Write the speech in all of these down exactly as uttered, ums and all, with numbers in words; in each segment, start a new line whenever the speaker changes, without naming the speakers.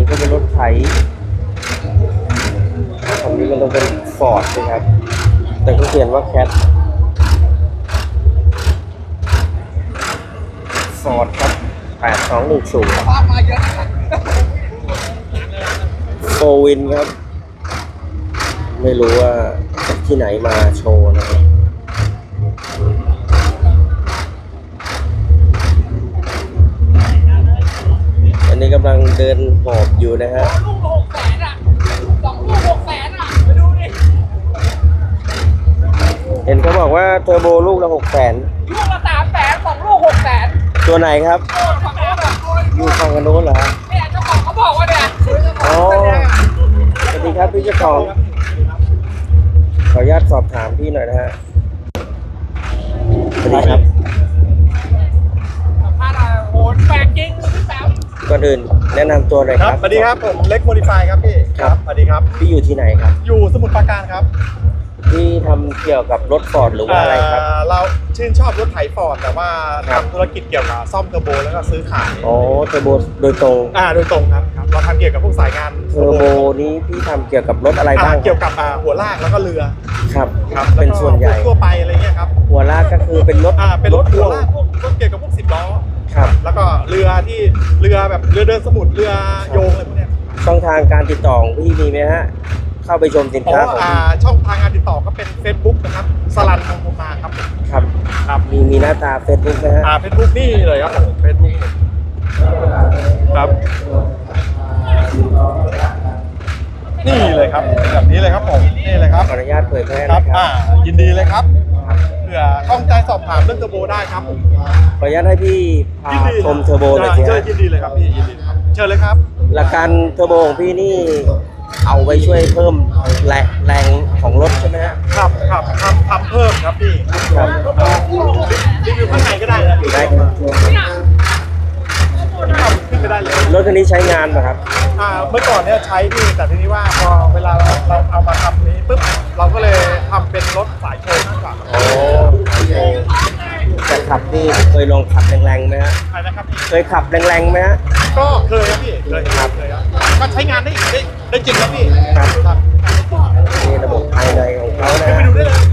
ก็เป็นรถไถคันนี้มันต้องเป็นฟอร์ดนะครับแต่ก็เขียนว่าแคทฟอร์ดครับแปดสองหนึ่งศูนย์โฟวินครับไม่รู้ว่าที่ไหนมาโชว์นะครับอันนี้กำลังเดินหอบอยู่นะฮะ
ลูกหกแสนอ่ะสองลูกหกแสนอ่ะไปดูดิ
เห็นเขาบอกว่าเทอร์โบลูกละหกแสน
ลูกละสามแสนสองลูกหกแสน
ตัวไหนครับอยู่ฝั่งกันโน้นเหรอฮะ
เนี่ยเจ้าของเขาบอกว่าเนี่ย
อ๋อสวัสดีครับพี่เจ้าของขออนุญาตสอบถามพี่หน่อยนะฮะสวัสดีครับ
พาดโหนแปลกจริงพี่แป๊บ
ก่อนอื่นแนะนำตัวหน่อยครับ
สวัสดีครับผมเล็กโมดิฟายครับพี่
ครับ
สวัสดีครับ
พี่อยู่ที่ไหนครับ
อยู่สมุทรปราการครับ
พี่ทำเกี่ยวกับรถฟอร์ดหรือว่าอะไรครับ
เราชื่นชอบรถไถฟอร์ดแต่ว่าทำธุรกิจเกี่ยวกับซ่อมเทอร์โบแล้วก็ซื้อขาย
อ๋อเทอร์โบโดยตรง
อ่าโดยตรงครับเราทำเกี่ยวกับพวกสายงาน
เทอร์โบนี้พี่ทำเกี่ยวกับรถอะไรบ้าง
เกี่ยวกับหัวลากแล้วก็เรือ
ครับ
ครับ
เป็นส่วนใหญ่
ทั่วไปอะไรเงี้ยครับ
หัวลากก็คือเป็นรถ
อ่าเป็นรถหัวลากพวกรถเกี่ยวกับพวกสิบล้อ
ครับ
แล้วก็เรือที่เรือแบบเรือเดินสมุทรเรือโยงอะไรพวกเนี้ย
ช่องทางการติดต่อของพี่มีไหมฮะเข้าไปชมสินค้าของพี่
ช่องทางการติดต่อก็เป็น Facebook นะครับสลันมงคลมาครับ
ครับ
ครับ
มีมีหน้าตา Facebook ไหมฮะ
อ่า Facebook นี่เลยครับ Facebook ครับนี่เลยครับแบบนี้เลยครับผมนี่เลยครับ
ขออนุญาตเผยแพร่
ครับ
นะครับ
อ่ายินดีเลยครับเผื่อข้องใจสอบถามเรื่องเทอร์โบได้ครับ
ขออนุญาตให้พี่พาชมเทอร์โบหน่อยสิฮะ
ยินดีเลยครับพี่ยินดีครับเชิญเลยครับ
หลักการเทอร์โบของพี่นี่เอาไว้ช่วยเพิ่มแรงแรงของรถใช่ไหมฮะ
ครับครับทำทำเพิ่มครับพี่
ครับ
รีวิวข้างในก็ได้นะ
ได้ครับ
ขึ้นไปได้เลย
รถคันนี้ใช้งานป่ะครับ
อ่าเมื่อก่อนเนี่ยใช้พี่แต่ทีนี้ว่าพอเวลาเราเราเอามาทำนี้ปุ๊บเราก็เลยทำเป็นรถสายโชว์มากกว่า
โอ้แต่ขับนี่เคยลองขับแรงๆไหมฮะ
ใช่นะครับ
เคยขับแรงๆไหมฮะ
ก็เคยครับพี่เคยครับเคยครับก็ใช้งานได้ได้ได้จริงครับพี่
ครับนี่ระบบภายในของเขานะ
ไปดูได้เลย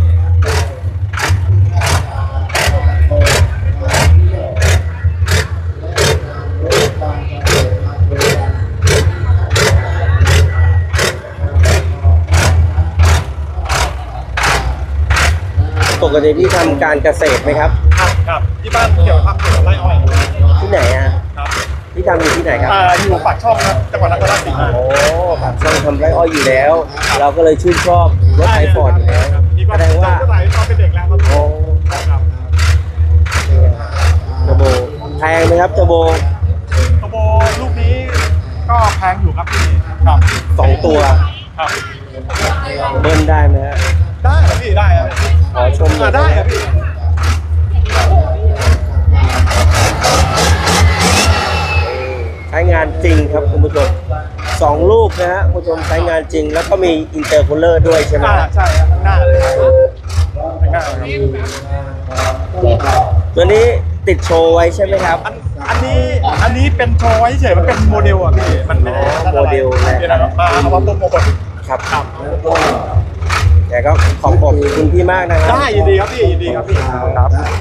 ปกติพี่ทำการเกษตรไหมครับ
ครับครับที่บ้านเกี่ยวทำเกี่ยวกับไร่อ้อย
ที่ไหนอ่ะ
ครับ
พี่ทำอยู่ที่ไหนครับ
อ่าอยู่ปากช่องครับจังหวัดนครราชสีมา
โอ้ปากช่องทำไร่อ้อยอยู่แล้วเราก็เลยชื่นชอบรถไถฟอร์ดอยู่แล้วแสดงว่า
ก็ไหลตอนเป็นเด็กแล้วครับ
โอ้
ครับ
เทอร์โบแพงไหมครับเทอร์โบ
เทอร์โบลูกนี้ก็แพงอยู่ครับพี่ครับ
สองตัว
ครับ
เบิ้ลได้ไหมฮะ
ได้ครับพี่ได้ครับ
ขอชมหน่อย
ได้ครับพี่
ใช้งานจริงครับคุณผู้ชมสองลูกนะฮะคุณผู้ชมใช้งานจริงแล้วก็มีอินเตอร์คูลเลอร์ด้วยใช่ไหม
ใช่ครับข้างหน้าเลยข้างหน้า
ตัวนี้ติดโชว์ไว้ใช่ไหมครับ
อันอันนี้อันนี้เป็นโชว์ไว้เฉยมันเป็นโมเดลอ่ะพี่มันไม่ได้
โมเดลแหละ
มาเอามาตัวโมเดล
ครับครับแต่ก็ขอบคุณพี่มากนะครับ
ได้ยินดีครับพี่ยินดีครับพี่ครับ